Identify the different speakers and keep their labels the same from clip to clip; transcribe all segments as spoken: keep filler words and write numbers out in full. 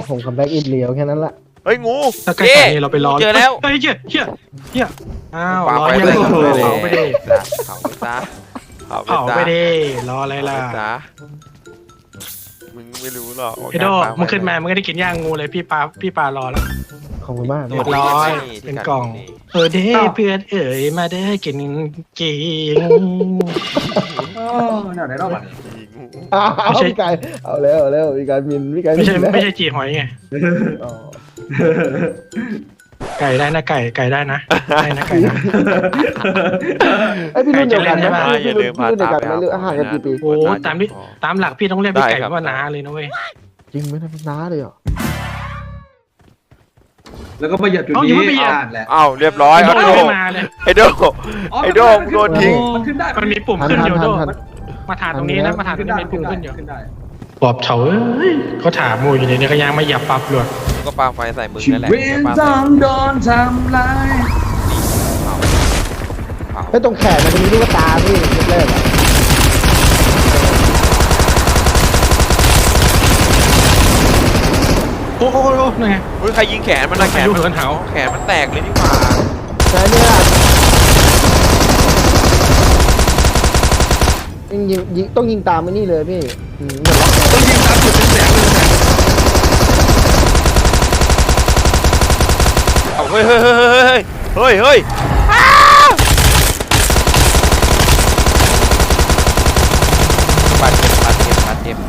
Speaker 1: ผมคัมแบ็กอินเลียวแค่นั้นละ
Speaker 2: เฮ้ยงู
Speaker 3: ถ้าใกล้ๆนี่เราไปรอ
Speaker 2: เจอแล้ว
Speaker 3: เฮ้ยเชี่ยเชี่ยเชี่ยอ้าว
Speaker 2: ปาร
Speaker 3: อ
Speaker 2: ไป
Speaker 3: อะไรกัน
Speaker 2: เลย
Speaker 3: เผาไปดิ
Speaker 2: เผาไปซะเผา
Speaker 3: เผาไปดิรออะไรล่ะ
Speaker 2: เผาไปซะมึงไม่รู้หรอก
Speaker 3: ไอ้โดมึงขึ้นมามึงก็ได้กินย่างงูเลยพี่ปลาพี่ปลารอแล้ว
Speaker 1: ขอบคุณมาก
Speaker 3: เรียบร้อยเป็นกล่องเออเด้เพื่อนเอ๋ยมาเด้กินกิน
Speaker 4: โอ้แนวไหนรอบอ่ะ
Speaker 1: อ้าวพี่กายเอาแล้วเอาแล้วพี่กายมินพี่กาย
Speaker 3: ไม่ใช่
Speaker 1: มินแล้ว
Speaker 3: ไม่ใช่จีหอยไง
Speaker 1: อ๋อ
Speaker 3: ไก่ได้นะไก่ไก่ได้นะได้นะไก่นะ
Speaker 1: ไอยพี่รุ่นเดียวกัน
Speaker 3: ใช่
Speaker 1: ใช่
Speaker 3: ไห
Speaker 1: ไห
Speaker 3: ม
Speaker 1: มพี่รุ่นพี่รุ่นเดียวกันไหมหรือห่างกันกี่ปี
Speaker 3: โอ้ตามที่ตามหลักพี่ต้องเรียกพี่ไก่ว่าน้าเลยนะเว้ย
Speaker 1: จริงไหมนะพี่น้าเลยเหรอ
Speaker 4: แล้วก็มาเหยียบจุด
Speaker 3: เอาอยู่
Speaker 4: นี้
Speaker 3: ไม่ไปเหยียบ
Speaker 4: อ่านแหละ
Speaker 2: อ้าวเรียบร้อย
Speaker 3: ไอ้
Speaker 2: ไอ้
Speaker 3: โด
Speaker 2: โด
Speaker 3: ไม่มาเลย
Speaker 2: ไอ้โดไอ้โดมึงโดนทิ้ง
Speaker 4: มันขึ้นได้
Speaker 3: มันมีปุ่มขึ้นอยู่โดมาถามตรงนี้นะมาถามตรงนี้มีปุ่มขึ้นอยู่ปอบเฉาเอ้ยเขาถามมูอยู่ในนี้ก็ยังไม่หยับปับเลย
Speaker 2: ก็ปาไฟใส่มึง
Speaker 4: ชี
Speaker 2: นั่นแหละ
Speaker 4: วิตต้องโดนทำร้าย
Speaker 1: ไอยตรงแขนมันจะมีลูกตาพี่แรกๆอะ
Speaker 3: โอ้โหนั่นไง
Speaker 2: เฮ้ยใครยิงแขนมันนะแขน
Speaker 3: พายุเหินเหา
Speaker 2: แขนมันแตกเลยนี่หว่า
Speaker 1: ใช่เนี่ยยิงยิงยิงต้องยิงตามไอ้นี่เลยพี่อืมเหมือนล็อก
Speaker 4: ต้องยิงตามจุดเป็นแสงเลยแสง
Speaker 2: เอาเฮ้ยเฮ้ยเฮ้ยเฮ้ยเฮ้ยบาดเจ็บบาดเจ็บบาดเจ็บ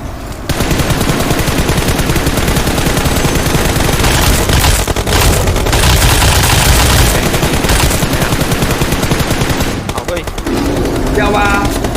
Speaker 2: เอาเฮ้ย
Speaker 4: เยาวา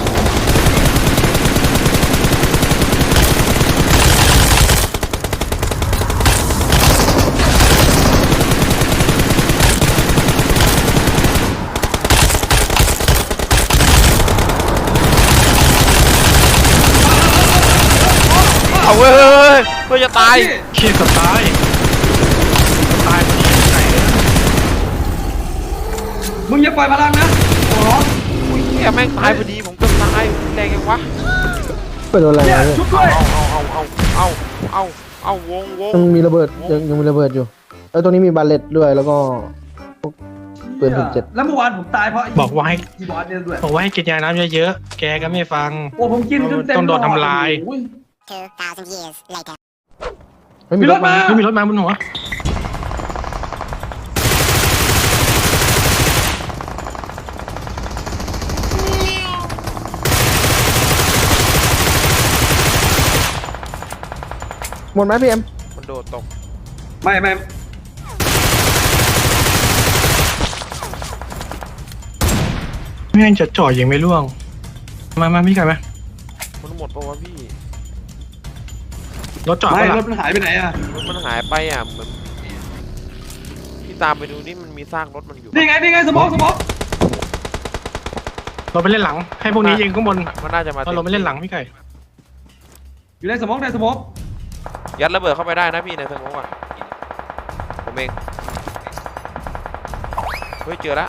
Speaker 2: เอาเว้ยเฮ้ยเฮ้ยเพื่อจะตาย
Speaker 3: เชี่ยกับตายตายมันยิงไหน
Speaker 4: มึงอย่าปล่อยพลังนะโอ้โห
Speaker 2: อุ้ยเหี้ยแม่งตายพอดีผมก็ตายแรงยังวะ
Speaker 1: เป็นโดนอะไร
Speaker 4: เนี่ย
Speaker 1: เนี่ย
Speaker 4: ชุบด้วย
Speaker 2: เอาเอาเอาเอาเอาเอาเอาวงวง
Speaker 1: ยังมีระเบิดยังยังมีระเบิดอยู่เออตรงนี้มีบาเลตด้วยแล้วก็พวกปืนถึงเจ็ด
Speaker 4: แล้วเมื่อวานผมตายเพราะ
Speaker 3: บอกว่าให้
Speaker 4: อีบอสเนี่ยด้วย
Speaker 3: บอกว่าให้กินยาน้ำเยอะๆแกก็ไม่ฟัง
Speaker 4: โอ้ผมกินจนเต็ม
Speaker 3: ต้องโดนทำลาย
Speaker 4: โอ้
Speaker 5: Two thousand years later.
Speaker 1: ไม่มีรถมา
Speaker 3: ไม่มีรถมาบนหัว
Speaker 1: หมดไหมพี่เอ็ม
Speaker 2: มันโดดตก
Speaker 4: ไม่ไม่
Speaker 3: ไม่งั้นจะจ่อยิงไม่ล่วงมามาพี่ไก่มา
Speaker 2: มันหมดปะวะพี่
Speaker 3: รถจอด
Speaker 4: ไม่
Speaker 3: ก็ห
Speaker 4: ร
Speaker 3: ลั
Speaker 4: ถ
Speaker 3: บ
Speaker 4: มันหายไปไหนอ่ะ
Speaker 2: รถมันหายไปอ่ะเหมือนพี่ตามไปดูนี่มันมีซากรถมันอยู่
Speaker 4: นี่ไงนี่ไงสมองสมอง
Speaker 3: เราไปเล่นหลัง ให้พวกนี้ยิงข้างบน
Speaker 2: มันน่าจะมา
Speaker 3: เราไม่เล่นหลังพี่ไก่
Speaker 4: อยู่ในสมองในสมอง
Speaker 2: ยัดระเบิดเข้าไปได้นะพี่ในสมองอ่ะผมเองเฮ้ยเจอแล้ว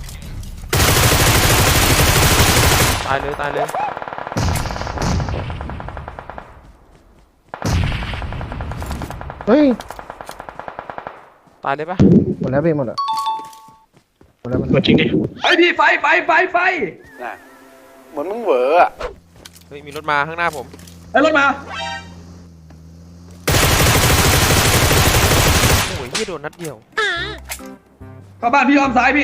Speaker 2: ตายเลยตายเลย
Speaker 1: เฮ้ย
Speaker 2: ตายเลยปะ
Speaker 1: หมดแล้วพี่หมดอ่ะหมดแล้วมัน
Speaker 3: เหมือนจริงดิ
Speaker 4: ไอพี่ไฟไฟไฟไฟ
Speaker 2: เหมือนมึงเหวออ่ะเฮ้ยมีรถมาข้างหน้าผม
Speaker 4: ไอ้รถมา
Speaker 2: โอ้ยพี่โดนนัดเดียว
Speaker 4: เข้าบ้านพี่อ้อมซ้ายพี่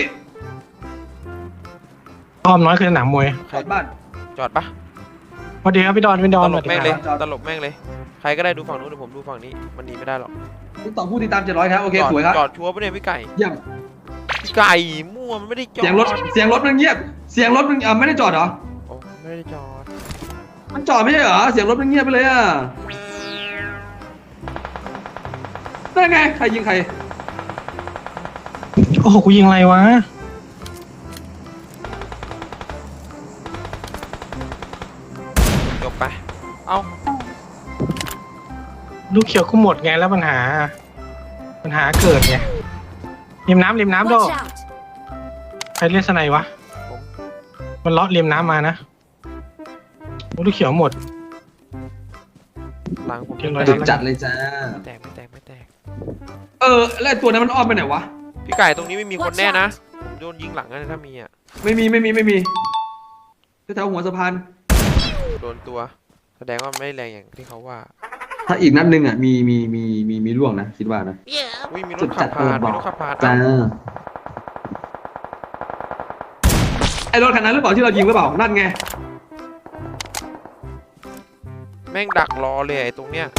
Speaker 3: อ้อมน้อยคือสนามมวย
Speaker 4: จอดบ้าน
Speaker 2: จอดปะ
Speaker 3: สวัสดีครับพี่ดอนพี่ด
Speaker 2: ต
Speaker 3: อน
Speaker 2: ลบแม่งเลย
Speaker 4: จอด
Speaker 2: ตลบแม่งเลย ใครก็ได้ดูฝั่งนู้นเดี๋ยวผมดูฝั่งนี้มันหนีไม่ได้หรอก
Speaker 4: ติ๊กต่อผู้ติดตามเจ็ดร้อยครับโอเค
Speaker 2: จอด
Speaker 4: สวยครับ
Speaker 2: จอดชัวร์ปะเนี่ยพี่ไก่
Speaker 4: เยี่ยม
Speaker 2: พี่ไก่มั่วมันไม่ได้จอด
Speaker 4: เสียงรถเสียงรถมันเงียบเสียงรถมันอ่ะไม่ได้จอดเหรอ
Speaker 2: โอ้ไม่ได้จอด
Speaker 4: มันจอดไม่ใช่เหรอเสียงรถมันเงียบไปเลยอ่ะได้ไงใครยิงใคร
Speaker 3: โอ้โหกูยิงอะไรวะ
Speaker 2: จบไปเอ้า
Speaker 3: ลูกเขียวกูหมดไงแล้วปัญหา ปัญหาเกิดไงริมน้ำริมน้ำโด
Speaker 5: Watch out!
Speaker 3: ใครเล่นสไนวะ
Speaker 2: ผม
Speaker 3: มันเลาะริมน้ำมานะโอ้ลูกเขียวหมด
Speaker 2: หลังผม
Speaker 3: เรียบร้อย
Speaker 4: จุดจัดเลยจ้า
Speaker 2: ไม่แตกไม่แตกไม่แตก
Speaker 4: เออแล้วไอ้ตัวนั้นมันอ้อมไปไหนวะ
Speaker 2: พี่ไก่ตรงนี้ไม่มีคนแน่นะผมโดนยิงหลังนะถ้ามีอ่ะ
Speaker 4: ไม่มีไม่มีไม่มีแถวๆหัวสะพาน
Speaker 2: โดนตัว แสดงว่าไม่แรงอย่างที่เขาว่า
Speaker 4: ถ้าอีกนัดหนึ่งอ่ะมีมีมีมีมีล่วงนะคิดว่านะ
Speaker 2: อุ้ยมีร
Speaker 4: จุ
Speaker 2: ถ
Speaker 4: ด
Speaker 2: ขั
Speaker 4: จั
Speaker 2: บ
Speaker 4: ด
Speaker 2: ผ่าน
Speaker 4: บ
Speaker 2: มี
Speaker 4: อก
Speaker 2: รถขับผ่าน
Speaker 4: จ้า
Speaker 2: เอ้า
Speaker 4: ไอ้รถคันนั้นหรือเปล่าที่เรายิงหรือเปล่านั่นไง
Speaker 2: แม่งดักรอเลยไอ้ตรงเนี้ย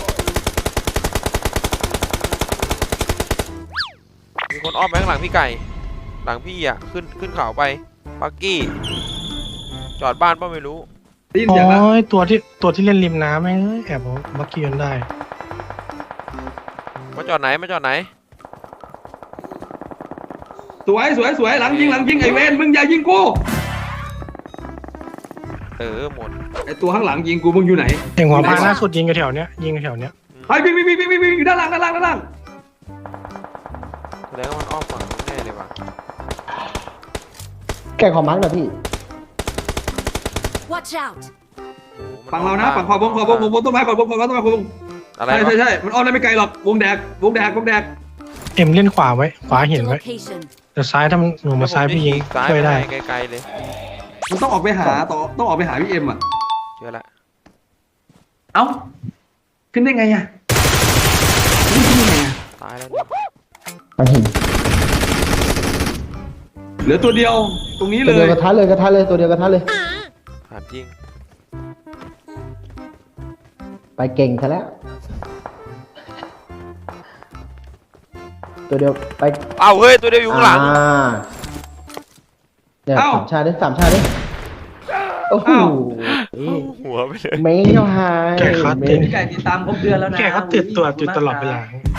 Speaker 2: มีคนอ้อมไปข้างหลังพี่ไก่ หลังพี่อ่ะขึ้นขึ้นเขาไปปักกี้จอดบ้านป่ะไม่รู้
Speaker 4: ได้ยิน
Speaker 3: โอ้
Speaker 4: เสียงแล้ว
Speaker 3: ยตัวที่ตัวที่เล่นริมน้ำแม่งเอ้ยแอบเอาบักกี้ยนได้
Speaker 2: มาจอดไหนมาจอดไหน
Speaker 4: สวยสวยสวยหลังยิงหลังยิงไอ้เวนมึงอย่ายิงกู
Speaker 2: เออหมด
Speaker 4: ไอ้ตัวข้างหลังยิงกูมึงอยู่ไหน
Speaker 3: เองหัวพานล่าสุดยิงอยู่แถวเนี้ยยิงอยู่แถวเนี้ย
Speaker 4: ไอ้วิ่งวิ่งวิ่งวิ่งวิ่งอยู่ด้านล่างด้านล่างด้านล่าง
Speaker 2: แสดงว่ามันอ้อมฝั่งนู้นแน่เลยว่ะ
Speaker 1: แก่ขอมาร์กหน่อยพี่
Speaker 5: Watch out!
Speaker 2: โอ้โหมั
Speaker 4: ฝั่งเรานะ
Speaker 2: อ้อม
Speaker 4: ฝั่งขวาบงขวาบงขวาบงต้นไม้ขวาบงขวาบงต้นไม้ขวาบง
Speaker 2: อะไร
Speaker 4: ใช่
Speaker 2: วะ
Speaker 4: ใช่ใช่มันอ้อมได้ไม่ไกลหรอกวงแดกวงแดกวงแดก
Speaker 3: เอ็มเล่นขวาไว้ขวา
Speaker 5: Marked
Speaker 3: เห็น
Speaker 5: a
Speaker 3: ไว้
Speaker 5: location.
Speaker 3: แต่ซ้ายถ้ามันหนูมาซ้ายพี่ยิง
Speaker 2: ซ้าย
Speaker 3: ช่วย
Speaker 2: ไม่
Speaker 3: ได้
Speaker 2: ได้ไกลๆเลย
Speaker 4: มันต้องออกไปหาต่อต้องออกไปหาพี่เอ็มอ่ะ
Speaker 2: เจอละ
Speaker 4: เอ้าขึ้นได้ไงอ่ะขึ้นได้ไงอ่ะ
Speaker 2: ตายแล้วเนี่ย
Speaker 1: มันหิน
Speaker 4: เหลือตัวเดียวตรงนี้
Speaker 1: ตัว
Speaker 4: เล
Speaker 1: เดียวย กระทะเลยกระทะเลยตัวเดียวกระทะเลย
Speaker 2: ถามจริง
Speaker 1: ไปเก่งซะแล้ว ตัวเดียวไป
Speaker 2: เอ้าเฮ้ยตัวเดียวอยู่ข้างหลัง
Speaker 1: อ่าเนี่ยสามชาติดิสามชาติดิโอ้โห
Speaker 2: หัวไปเลย
Speaker 1: เมงเขาหาย
Speaker 3: แก่คัด
Speaker 1: เม
Speaker 3: เต็
Speaker 1: ง
Speaker 3: ม
Speaker 6: พี่ไก่ติดตามครบเดือนแล้วนะ
Speaker 3: แกก็ติดตัวอยู่ตลอดเวลา